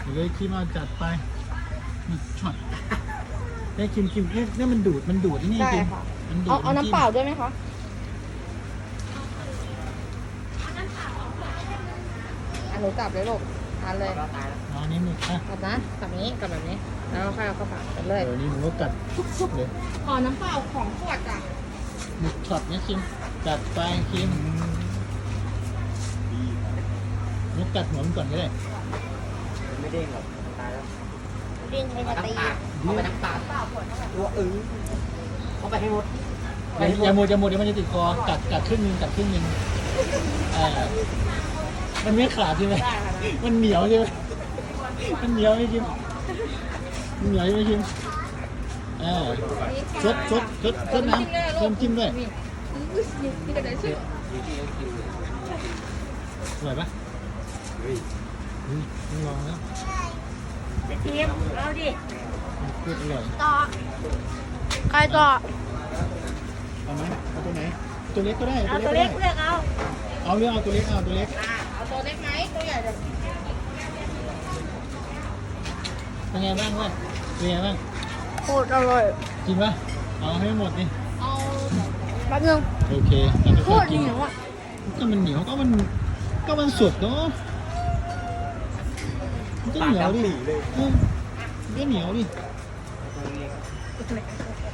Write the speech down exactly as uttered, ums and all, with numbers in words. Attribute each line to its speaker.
Speaker 1: เดี๋ยวคิมเอาจัดไปนี่ช็อตได้คิมคิมเนี่ยเนี่ยมันดูดมันดูดนี่
Speaker 2: ได้
Speaker 1: คิม
Speaker 2: ค่ะ
Speaker 1: มันดูด
Speaker 2: เอาเอาน้ำเปล่าด้วยไหมคะอันหนูจับเลยลูกทานเลย
Speaker 1: อ๋อนี่หมึกอ่ะ
Speaker 2: จับนะจับนี้กับแบบนี้ แล้วค่อยเอาเข้าปากกันเลย
Speaker 1: เดี๋ยวนี้หนูก็กัดทุบๆเลย
Speaker 2: ขอน้ำเปล่าของขวดอ่ะ
Speaker 1: หมึกช็อตเนี่ยคิมจัดไปคิมหนูกัดหัวมันก่อนก็ได้
Speaker 3: ไม่เด้งหรอกตายแล้ว
Speaker 2: ดิ้นไปจะตี
Speaker 3: เอาไปทั้งปากตัวอึ้งเข้าไปให้หมด
Speaker 1: อย่าอย่าโมดอย่าโมดเดี๋ยวมันจะติดคอกัดกัดครึ่งหนึงกัดครึ่งหนึงอ่ามันไม่ขาดใช่ไหมมันเหนียวใช่ไหมมันเหนียวไหมคิมมันเหนียวใช่ไหมคิมอ่าซดซดซดซดน้ำเพิ่มจิ้มด้วย
Speaker 2: นี่ก็ได้ชื่อ
Speaker 1: อร่อยปะเฮ้ยต้องลองแล้ว
Speaker 2: ทีมเอาดิ
Speaker 1: พูดอร่อย
Speaker 2: ต่อใครต่อ
Speaker 1: เอาไหมเอาตัวไหนตัวเล็กก็ได้
Speaker 2: เอาตัวเล็ก
Speaker 1: ก็
Speaker 2: เลื
Speaker 1: ได้
Speaker 2: อกเอา
Speaker 1: เอาเรื่องเอาตัวเล็กเอาตัวเล็ก
Speaker 2: อ่าเอาตัวเล็กไหมตัวใหญ่เดี๋ยว
Speaker 1: เป็นไงบ้างเพื่อนเป็นไงบ้าง
Speaker 2: โคตรอร่อย
Speaker 1: กินปะเอาให้หมดดิ
Speaker 2: เอาแป๊บนึง
Speaker 1: โอเคแล้ว
Speaker 2: โค
Speaker 1: ค่อย
Speaker 2: ตร
Speaker 1: ๆกิน
Speaker 2: เหนียวอ่ะ
Speaker 1: ก็มันเหนียวก็มันก็มันสดเนาะมันก็เหนียวดิเออมันก็เหนียวดิ